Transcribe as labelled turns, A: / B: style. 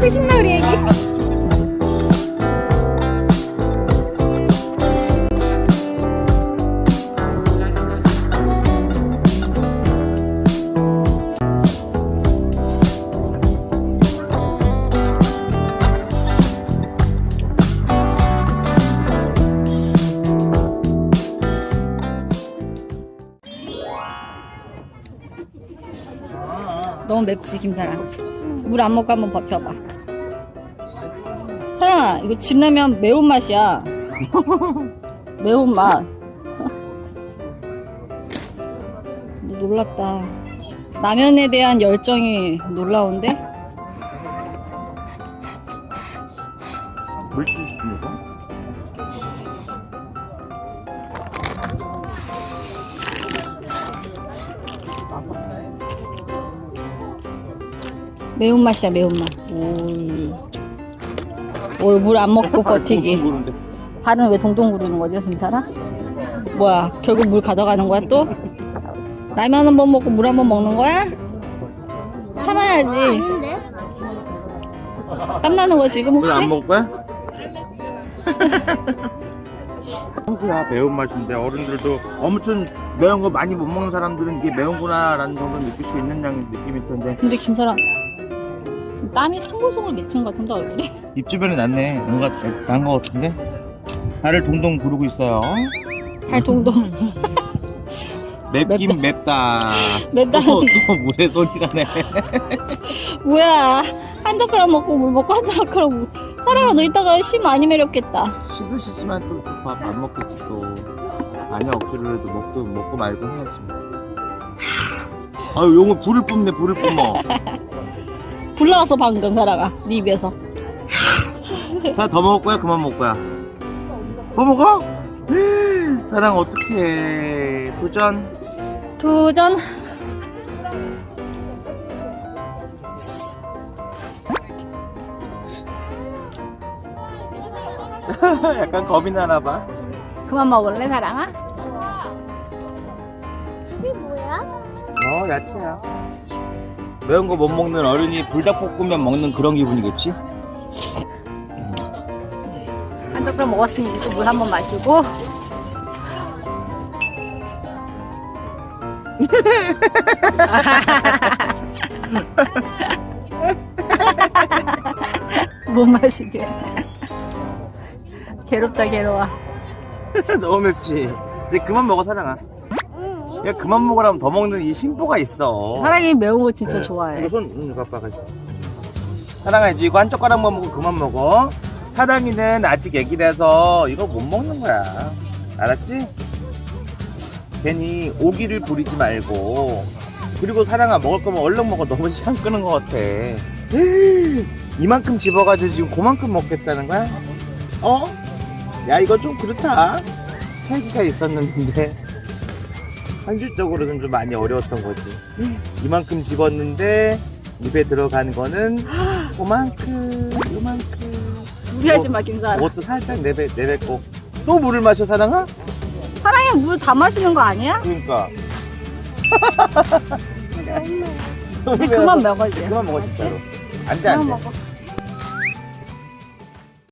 A: 아이고 신나 우리 애기. 너무 맵지 김사랑. 물 안 먹고 한번 버텨봐. 사랑아 이거 진라면 매운맛이야. 매운맛. 놀랍다. 라면에 대한 열정이 놀라운데?
B: 물질 시키려고?
A: 매운맛이야 매운맛. 오, 물 안 먹고 버티기. 발은 왜 동동 구르는 거지 김사라? 뭐야 결국 물 가져가는 거야 또? 라면 한 번 먹고 물 한 번 먹는 거야? 참아야지. 땀나는 거 지금 혹시?
B: 안 먹을 거야? 한국야 매운맛인데 어른들도 아무튼 매운 거 많이 못 먹는 사람들은 이게 매운구나 라는 정도 느낄 수 있는 양의 느낌일 텐데
A: 근데 김사라 지금 땀이 송골송골 맺힌 것 같은데 얼굴이?
B: 입 주변에 났네. 뭔가 난 거 같은데? 발을 동동 구르고 있어요.
A: 발 동동.
B: 맵긴 맵다.
A: 맵다는
B: 또
A: 뜻이
B: 물에 소리가 내.
A: 뭐야? 한 젓가락 먹고 물 먹고 한 젓가락 물. 사랑아 너 이따가 심 많이 매렵겠다.
B: 시도 시지만 또 밥 안 먹겠지 또. 아니야 억지로 해도 먹고 말고 해야지. 아유 용을 불을 뿜네 불을 뿜어.
A: 불 나왔어 방금 사랑아 네 입에서.
B: 하나 더 먹을 거야? 그만 먹을 거야? 또 먹어? 사랑 어떡해.
A: 도전.
B: 약간 겁이 나나 봐.
A: 그만 먹을래 사랑아?
C: 이게 뭐야?
B: 야채야. 매운 거 못 먹는 어른이 불닭볶음면 먹는 그런 기분이겠지?
A: 한 젓가락 먹었으니 이제 물 한 번 마시고. 못 마시게. 괴롭다 괴로워.
B: 너무 맵지? 이제 그만 먹어 사랑아. 야 그만 먹으라면 더 먹는 이 심보가 있어.
A: 사랑이 매운 거 진짜 좋아해.
B: 이거 손 바빠 가지고. 사랑아 이제 이거 한 젓가락만 먹고 그만 먹어. 사랑이는 아직 애기라서 이거 못 먹는 거야. 알았지? 괜히 오기를 부리지 말고. 그리고 사랑아 먹을 거면 얼른 먹어. 너무 시간 끄는 것 같아. 이만큼 집어가지고 지금 그만큼 먹겠다는 거야? 야 이거 좀 그렇다. 살기가 있었는데 현실적으로는 좀 많이 어려웠던 거지. 이만큼 집었는데 입에 들어간 거는 요만큼.
A: 무리하지 마 김사랑.
B: 그것도 살짝 내뱉고 또 물을 마셔 사랑아?
A: 사랑이 물 다 마시는 거 아니야?
B: 그러니까
A: 이제 그만 먹어 이제.
B: 그만 먹어 진짜로. 안돼
A: 그만 먹어.